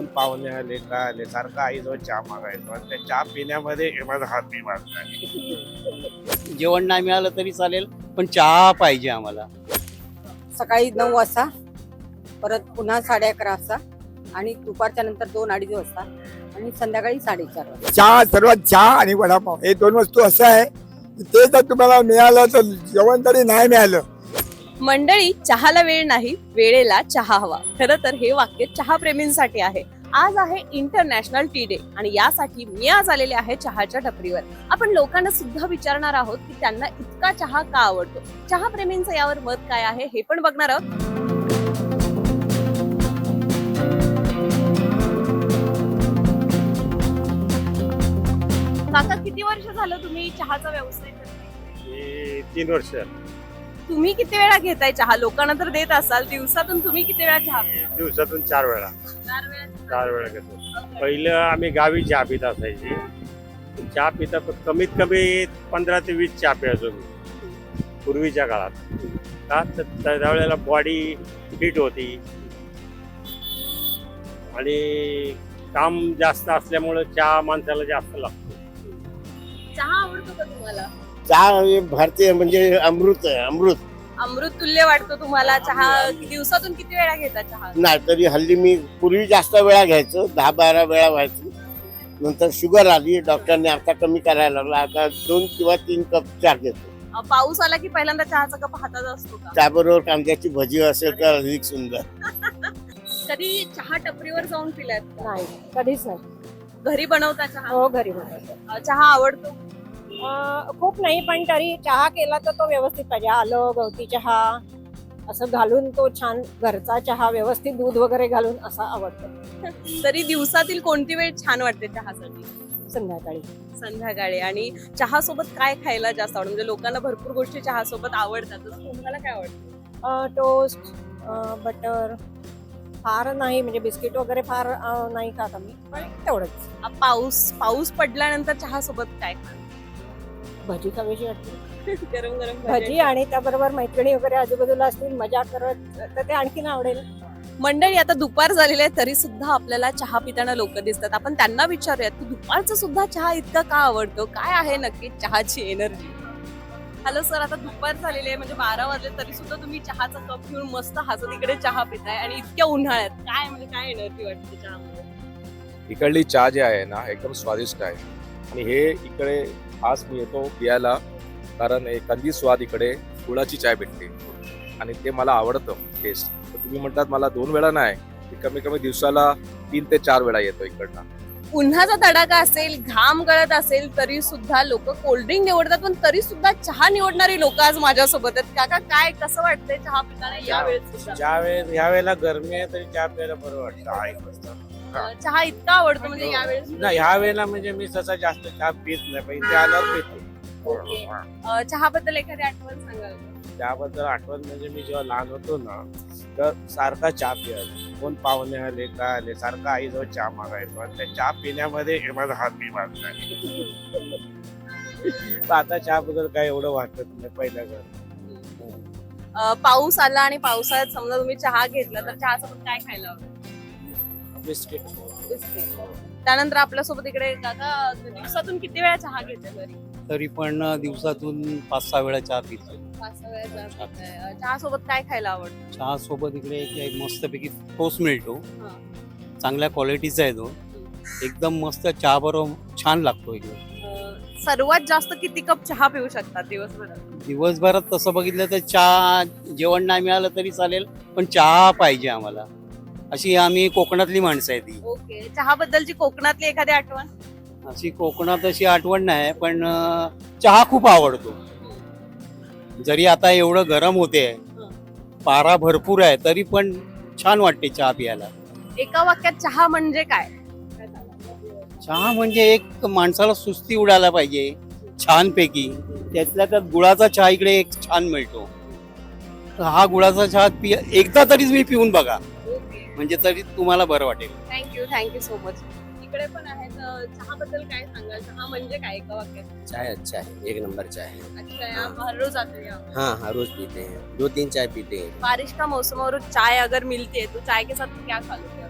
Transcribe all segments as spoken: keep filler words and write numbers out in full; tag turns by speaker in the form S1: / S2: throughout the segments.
S1: कोण पाहुणे आले काय आले सारखं आईजवळ चहा मागायचो आणि त्या चहा पिण्यामध्ये माझा हात मी मागला.
S2: जेवण नाही मिळालं तरी चालेल पण चहा पाहिजे आम्हाला.
S3: सकाळी नऊ वाजता, परत पुन्हा साडे अकरा वाजता आणि दुपारच्या नंतर दोन अडीच वाजता आणि संध्याकाळी साडेचार वाजता.
S4: चहा, सर्वात चहा आणि वडापाव हे दोन वस्तू असं आहे की ते जर तुम्हाला मिळालं तर जेवण तरी नाही मिळालं.
S5: मंडळी, चहाला वेळ नाही, वेळेला चहा हवा. खरं तर हे वाक्य चहा प्रेमींसाठी आहे. आज आहे इंटरनॅशनल टी डे आणि यासाठी मी आज आलेले आहे चहाच्या टपरीवर. आपण लोकांना सुद्धा विचारणार आहोत की त्यांना इतका चहा का आवडतो. चहा प्रेमींचं यावर मत काय आहे हे पण बघणार आहोत. काका, किती वर्ष झालं तुम्ही चहाचा व्यवसाय करताय?
S1: तीन वर्ष
S5: तुम्ही किती वेळा घेताय चहा? लोकांना तर देत असाल. दिवसातून तुम्ही किती वेळा चहा पिता?
S1: दिवसातून चार वेळा
S5: चार वेळा
S1: चार वेळा घेतो. पहिलं आम्ही गावी चहा पित असायची. चहा पिता कमीत कमी पंधरा ते वीस चहा प्यायचो मी पूर्वीच्या काळात. का तर त्यावेळेला बॉडी फिट होती आणि काम जास्त असल्यामुळं चहा माणसाला जास्त लागतो.
S5: चहा आवडतो का तुम्हाला?
S6: चहा भारतीय म्हणजे अमृत आहे, अमृत.
S5: अमृत तुल्य वाटतो तुम्हाला चहा? दिवसातून किती वेळा घेता चहा?
S6: नाही तरी हल्ली मी पूर्वी जास्त वेळा घ्यायचो, दहा बारा वेळा व्हायचो. नंतर शुगर आली, डॉक्टरने आता कमी करायला लागला. आता दोन किंवा तीन कप चहा घेतो.
S5: अ, पाऊस आला की पहिल्यांदा चहाचा कप हातात असतो का?
S6: त्याबरोबर कांद्याची भजी असेल तर अधिक सुंदर.
S5: कधी चहा टपरीवर जाऊन पिलात?
S3: नाही, कधीच नाही.
S5: घरी बनवता चहा?
S3: हो, घरी बनवतो.
S5: अ, चहा आवडतो?
S3: अं, खूप नाही, पण तरी चहा केला तर तो व्यवस्थित पाहिजे. आलं, गवती चहा असं घालून तो छान घरचा चहा व्यवस्थित दूध वगैरे घालून असा आवडतो.
S5: तरी दिवसातील कोणती वेळ छान वाटते चहासाठी?
S3: संध्याकाळी
S5: संध्याकाळी. आणि चहा सोबत काय खायला जास्त आवडतं? म्हणजे लोकांना भरपूर गोष्टी चहा सोबत आवडतात, तसं तुम्हाला काय आवडतं?
S3: टोस्ट, बटर फार नाही, म्हणजे बिस्किट वगैरे फार अं, नाही खात आम्ही, पण तेवढंच.
S5: अ, पाऊस पाऊस पडल्यानंतर चहा सोबत काय खाणार?
S3: भजी खावीशी वाटते.
S5: गरम गरम
S3: भजी आणि त्याबरोबर मैत्रिणी वगैरे आजूबाजूला असतील, मजा करत, तर ते आणखीन आवडेल.
S5: मंडळी, आता दुपार झालेली आहे तरी सुद्धा आपल्याला चहा पिताना लोक दिसतात. आपण त्यांना विचारूयात की दुपारचा सुद्धा चहा इतका का आवडतो? काय आहे नक्की चहाची एनर्जी? हॅलो सर, आता दुपार झालेली आहे, म्हणजे बारा वाजले तरी सुद्धा तुम्ही चहाचा कप घेऊन मस्त हसत इकडे चहा पिताय आणि इतक्या उन्हाळ्यात काय म्हणजे काय एनर्जी वाटते चहामध्ये?
S7: इकडली चहा जी आहे ना एकदम स्वादिष्ट आहे आणि हे इकडे खास मी येतो पियाला कारण एखादी स्वाद इकडे गुळाची चाय भेटते आणि ते मला आवडतं टेस्ट. तर तुम्ही म्हणतात मला दोन वेळा नाही, मी कमी कमी दिवसाला तीन ते चार वेळा येतो इकडनं.
S5: उन्हाचा तडाखा असेल, घाम गळत असेल तरी सुद्धा लोक कोल्ड्रिंक निवडतात, पण तरी सुद्धा चहा निवडणारी लोक आज माझ्यासोबत आहेत. काका, काय कसं वाटतंय चहा पिताना या वेळेस सुद्धा?
S1: ज्या वेळेस ह्या वेळेला गरमी आहे तरी चहा प्यायला बरं वाटतं. आई मस्त.
S5: अ, चहा इतका आवडतो म्हणजे या वेळेस?
S1: नाही, ह्या वेळेला म्हणजे मी तसा जास्त चहा पित नाही, पण इथे आल्यावर पितो.
S5: ओके. अ, चहाबद्दल एखादी आठवण सांगाल का?
S1: त्याबद्दल आठवण म्हणजे मी जेव्हा लहान होतो ना तर सारखा चहा प्यायचो. कोण पाहुणे आले काय आले सारखं आईजवळ चहा मागायचो आणि त्या चहा पिण्यामध्ये माझा हात मी मागला. तर आता चहाबद्दल काय एवढं वाटत नाही पहिल्या घर.
S5: अ, पाऊस आला आणि पावसाळ्यात समजा तुम्ही चहा घेतला तर चहासोबत काय खायला आवडेल?
S1: बिस्किट.
S5: बिस्किट. त्यानंतर आपल्यासोबत इकडे काका दिवसातून किती वेळा चहा घेते घरी?
S2: तरी पण दिवसातून पाच सहा वेळा चहा पितो.
S5: पाच सहा वेळा चहा पिताय. चहा सोबत काय खायला आवडतं?
S2: चहा सोबत इकडे एक एक मस्तपैकी टोस्ट मिळतो,
S5: हा.
S2: चांगल्या क्वालिटीचा आहे तो, एकदम मस्त चहा बरोबर छान लागतो इकडे.
S5: अ, सर्वात जास्त किती कप चहा पिऊ शकतात दिवसभरात?
S2: दिवसभरात तसं बघितलं तर चहा जेवण नाही मिळालं तरी चालेल पण चहा पाहिजे आम्हाला. अशी आम्ही कोकणातली माणसं आहे ती.
S5: ओके. चहाबद्दलची कोकणातली एखादी आठवण?
S2: अशी कोकणात अशी आठवण नाही पण अं, चहा खूप आवडतो. जरी आता एवढं गरम होते, पारा भरपूर आहे, तरी पण छान वाटते चहा प्यायला.
S5: एका वाक्यात चहा म्हणजे काय?
S2: चहा म्हणजे एक माणसाला सुस्ती उडायला पाहिजे छानपैकी. त्यातल्या त्यात गुळाचा चहा इकडे एक छान मिळतो. हा गुळाचा चहा पि एकदा तरीच मी पिऊन बघा, म्हणजे तरी तुम्हाला बरं वाटेल.
S5: Thank you thank you so much. इकडे पण आहेत. अ, चहाबद्दल काय सांगाल? चहा म्हणजे काय एका वाक्यात?
S6: चाय अच्छा है, एक नंबर चाय है.
S5: अच्छा, आप हर रोज आते हैं यहाँ?
S6: हाँ हाँ रोज पीते हैं, दो तीन चाय पीते हैं.
S5: बारिश का मौसम और चाय अगर मिलती है तो चाय के साथ क्या खा लोगे आप?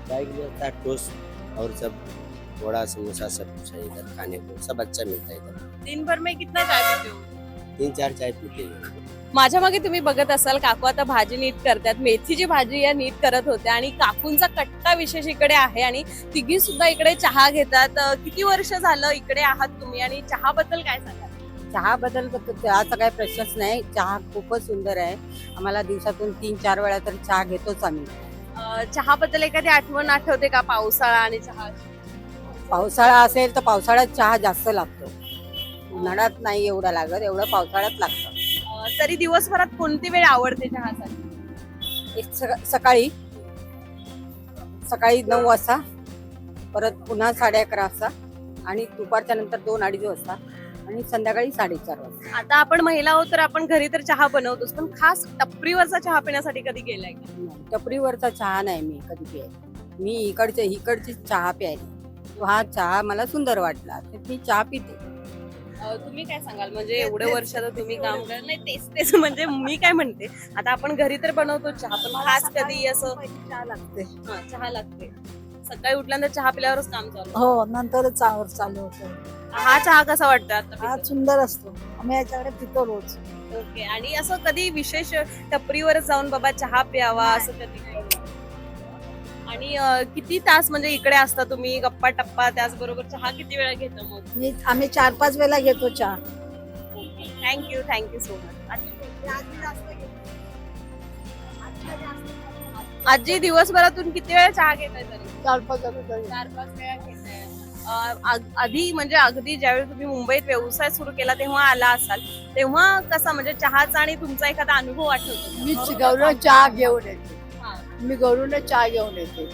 S8: चाय के लिए होता है टोस्ट और सब वड़ा समोसा सब कुछ है इधर खाने को, सब अच्छा मिलता है इधर।
S5: दिन भर में कितना चाय पीते हो?
S8: तीन चार चाय पीते हैं।
S5: माझ्या मागे तुम्ही बघत असाल काकू आता भाजी नीट करतात, मेथीची भाजी या नीट करत होत्या आणि काकूंचा कट्टा विशेष इकडे आहे आणि तिघी सुद्धा इकडे चहा घेतात. अं, किती वर्ष झालं इकडे आहात तुम्ही आणि चहा बद्दल काय सांगाल?
S9: चहा बद्दल चहाचा काही प्रश्नच नाही. चहा खूपच सुंदर आहे. आम्हाला दिवसातून तीन चार वेळा तरी चहा घेतोच आम्ही.
S5: अं, चहाबद्दल एखादी आठवण आठवते का? पावसाळा आणि चहा.
S9: पावसाळा असेल तर पावसाळ्यात चहा जास्त लागतो. उन्हाळ्यात नाही एवढा लागत, एवढं पावसाळ्यात लागतं.
S5: अं, तरी दिवसभरात कोणती वेळ आवडते चहासाठी?
S9: एक सका- सकाळी सकाळी नऊ वाजता, परत पुन्हा साडे अकरा वाजता आणि दुपारच्या नंतर दोन अडीच वाजता आणि संध्याकाळी साडेचार वाजता.
S5: आता आपण महिला आहोत तर आपण घरी तर चहा बनवतोच, पण खास टपरीवरचा चहा पिण्यासाठी कधी गेलाय का?
S9: टपरीवरचा चहा नाही मी कधी प्यायला. मी इकडचे इकडची चहा प्यायली. तो हा चहा मला सुंदर वाटला तर मी चहा पिते.
S5: अं, तुम्ही काय सांगाल? म्हणजे एवढे वर्ष आता तुम्ही काम कर नाही तेच तेच म्हणजे मी काय म्हणते, आता आपण घरी तर बनवतो चहा, पण खास कधी असं
S10: चहा लागते.
S5: हा, चहा लागते. सकाळी उठल्यानंतर चहा पिल्यावरच काम चालू.
S10: हो, नंतरच चहावर चालू होतं.
S5: हा चहा कसा वाटतो आता?
S10: हा सुंदर असतो. आम्ही याच्याकडे पितो रोज.
S5: ओके. आणि असं कधी विशेष टपरीवर जाऊन बाबा चहा प्यावा असं कधी काही? आणि अं, किती तास म्हणजे इकडे असता तुम्ही? गप्पा टप्पा त्याचबरोबर चहा किती वेळा घेता मग?
S10: मी आम्ही चार पाच वेळा घेतो चहा.
S5: Thank you thank you so much. आजी दिवसभरातून किती वेळा चहा घेताय तरी?
S10: चार पाच वेळा.
S5: चार पाच वेळा घेताय. अं, आग- आधी म्हणजे अगदी ज्यावेळी तुम्ही मुंबईत व्यवसाय सुरू केला तेव्हा आला असाल, तेव्हा कसा म्हणजे चहाचा आणि तुमचा एखादा अनुभव आठवतो?
S10: मी गौरव चहा घेऊन येते.
S5: हा.
S10: मी गौरवने चहा घेऊन येते.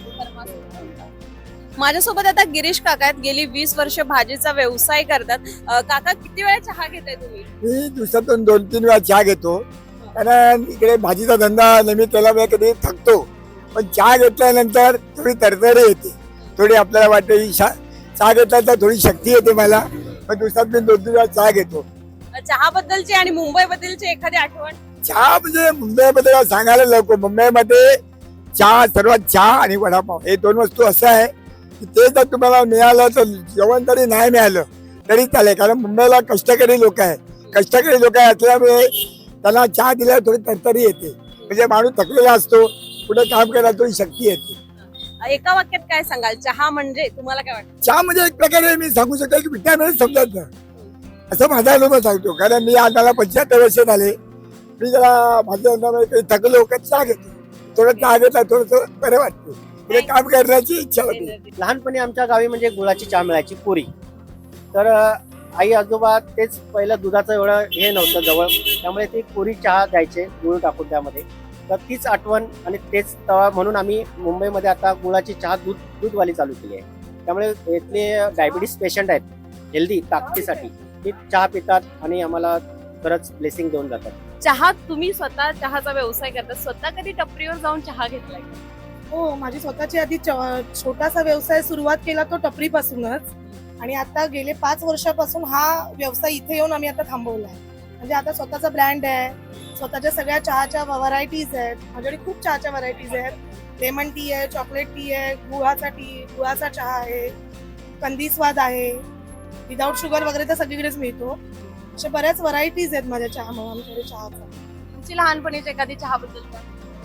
S5: माझ्यासोबत आता गिरीश काका आहेत. गेली वीस वर्ष भाजीचा व्यवसाय करतात. अं, काका किती वेळा चहा घेताय तुम्ही?
S4: मी दिवसातून दोन तीन वेळा चहा घेतो, कारण इकडे भाजीचा धंदा नेहमी त्याला वेळ कधी थकतो, पण चहा घेतल्यानंतर थोडी तरतरी येते, थोडी आपल्याला वाटते ही शा- चहा घेतल्यानंतर थोडी शक्ती येते मला. पण दिवसात मी दोन तीन वेळा चहा घेतो.
S5: चहा बद्दलची आणि मुंबई बद्दलची एखादी आठवण?
S4: चहा म्हणजे मुंबईमध्ये सांगायला नको, मुंबईमध्ये चहा सर्वात चहा आणि वडापाव हे दोन वस्तू असं आहे की ते जर तुम्हाला मिळालं तर जेवण तरी नाही मिळालं तरी चालेल, कारण मुंबईला कष्टकरी लोक आहे. कष्टकरी लोक असल्यामुळे त्यांना चहा दिल्यावर थोडी तरतरी येते, म्हणजे माणूस थकलेला असतो, पुढे काम करायला थोडी शक्ती येते.
S5: एका वाक्यात काय सांगाल? चहा म्हणजे तुम्हाला काय वाटतं?
S4: चहा म्हणजे एक प्रकारे मी सांगू शकतो की विटॅमिन समजायचं, असं माझा अनुभव सांगतो. कारण मी आज मला पंच्याहत्तर वर्ष झाले, मी जरा माझ्या अंगामध्ये थकलो का चहा घेतो, थोडं चहा घेतला थोडंसं बरं वाटतं, पुढे काम करण्याची इच्छा होती.
S11: लहानपणी आमच्या गावी म्हणजे गुळाची चहा मिळायची पुरी. तर अ, आई आजोबा तेच पहिलं दुधाचं एवढं हे नव्हतं जवळ, त्यामुळे ते पुरी चहा द्यायचे गुळ टाकून त्यामध्ये. तर तीच आठवण आणि तेच तवा म्हणून आम्ही मुंबईमध्ये आता गुळाची चहा दूध दूधवाली चालू केली आहे. त्यामुळे इथले डायबिटीस पेशंट आहेत हेल्दी ताकदीसाठी ते चहा पितात आणि आम्हाला खरंच ब्लेसिंग देऊन जातात.
S5: चहा तुम्ही स्वतः चहाचा व्यवसाय करता, स्वतः कधी टपरीवर जाऊन चहा घेतलाय?
S10: हो, माझी स्वतःची आधी च- छोटासा व्यवसाय सुरुवात केला तो टपरीपासूनच, आणि आता गेले पाच वर्षापासून हा व्यवसाय इथे येऊन आम्ही आता थांबवलाय. म्हणजे आता स्वतःचा ब्रँड आहे, स्वतःच्या सगळ्या चहाच्या व्हरायटीज आहेत. माझ्याकडे खूप चहाच्या व्हरायटीज आहेत. लेमन टी आहे, चॉकलेट टी आहे, गुळाचा टी गुळाचा चहा आहे, कंदी स्वाद आहे, विदाऊट शुगर वगैरे तर सगळीकडेच मिळतो. अशा बऱ्याच व्हरायटीज आहेत माझ्या चहा आमच्याकडे चहाचा.
S5: तुमची लहानपणीची एखादी चहाबद्दल काय?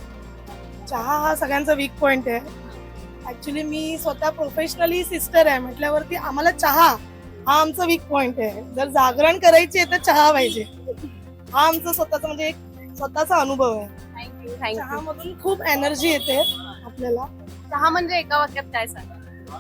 S10: चहा हा सगळ्यांचा वीक पॉइंट आहे. ऍक्च्युली मी स्वतः प्रोफेशनली सिस्टर आहे म्हटल्यावरती आम्हाला चहा हा आमचा वीक पॉइंट आहे. जर जागरण करायची आहे तर चहा पाहिजे. हा आमचा स्वतःचा म्हणजे एक स्वतःचा अनुभव आहे.
S5: Thank you thank you.
S10: चहामधून खूप एनर्जी येते आपल्याला.
S5: चहा म्हणजे एका वाक्यात काय सांगा?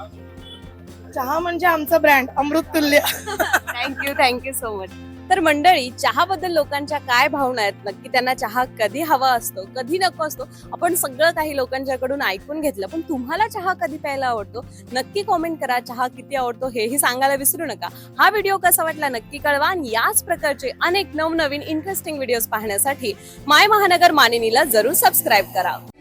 S10: चहा म्हणजे आमचा brand Amrut Tulya.
S5: Thank you thank you so much. तर मंडळी, चहाबद्दल लोकांच्या काय भावना आहेत, नक्की त्यांना चहा कधी हवा असतो कधी नको असतो, आपण सगळं काही लोकांच्याकडून ऐकून घेतलं. पण तुम्हाला चहा कधी प्यायला आवडतो नक्की कॉमेंट करा. चहा किती आवडतो हेही सांगायला विसरू नका. हा व्हिडिओ कसा वाटला नक्की कळवा आणि याच प्रकारचे अनेक नवनवीन इंटरेस्टिंग व्हिडिओज पाहण्यासाठी माय महानगर मानिनीला जरूर सबस्क्राईब करा.